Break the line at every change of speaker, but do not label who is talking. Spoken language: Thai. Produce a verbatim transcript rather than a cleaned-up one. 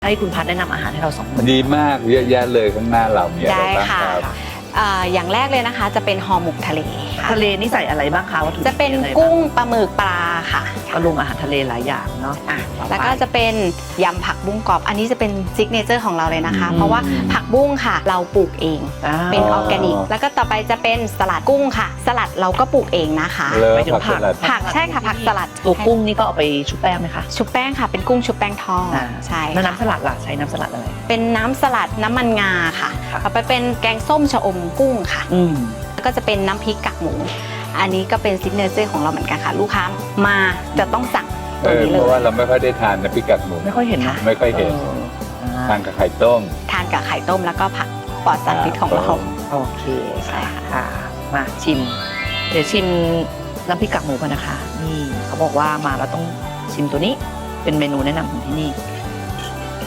ให้คุณพัฒแนะนำอาหารให้เราสองคน
ดีมากเยอะแยะเลยข้างหน้าเรามีอะไรบ้างครับ
อ่าอย่างแรกเลยนะคะจะเป็นห่อหมกทะเลค่ะ
ทะเลนี่ใส่อะไรบ้างคะวัตถุดิบ
จะเป็น
อะไรบ้าง
กุ้งปลาหมึกปลาค่ะ
ก็ลงอาหารทะเลหลายอย่างเนาะ
อ่ะ
ต่อไป
แล้วก็จะเป็นยำผักบุ้งกรอบอันนี้จะเป็นซิกเนเจอร์ของเราเลยนะคะ
อืม
เพราะว่าผักบุ้งค่ะ เราปลูกเอง
อ่า
เป็นออร์แกนิก แล้วก็ต่อไปจะเป็นสลัดกุ้งค่ะ สลัดเราก็ปลูกเองนะคะ
เลิ
ห
ฟ
มายถึง
ผักสลัด
ผักใช่ค่ะผักสลัด
ตัวกุ้งนี่ก็เอาไปชุบแป้งไหมคะ
ชุบแป้งค่ะ เป็นกุ้งชุบแป้งทอด
อ่า
ใช่
แล้ว
ค่ะ
น้ำสลัดล่ะใช้น้ำสลัดอะไร
เป็นน้ำสลัดน้ำมันงาค่ะ
ค่ะ
เอาไปเป็นแกงส้มชะอมกุ้งค่ะ
อืม
แล้วก็จะเป็นน้ำพริกกากหมู อันนี้ก็เป็นซิกเนเจอร์ของเราเหมือนกันค่ะ ลูกค้ามาจะต้องสั่ง
เอ
ตัว
อ
นี้
เพ
เล
ราะว่าย
ท
เราไม่ค่อยได้ทานนะพริกกากหมู
ไม่ค่อยเห็นนะ
ไม่ค่อยเห็น
อออ่า
ทานกับไข่ต้ม
ทานกับไข่ต้มแล้วก็ผักปลอดสารพิษของเรา
โอเค
ใช่ค่ะ
ค่ะมาชิม เดี๋ยวชิมน้ำพริกกากหมูกันนะคะ นี่เขาบอกว่ามาแล้วต้องชิมตัวนี้เป็นเมนูแนะนำของที่นี่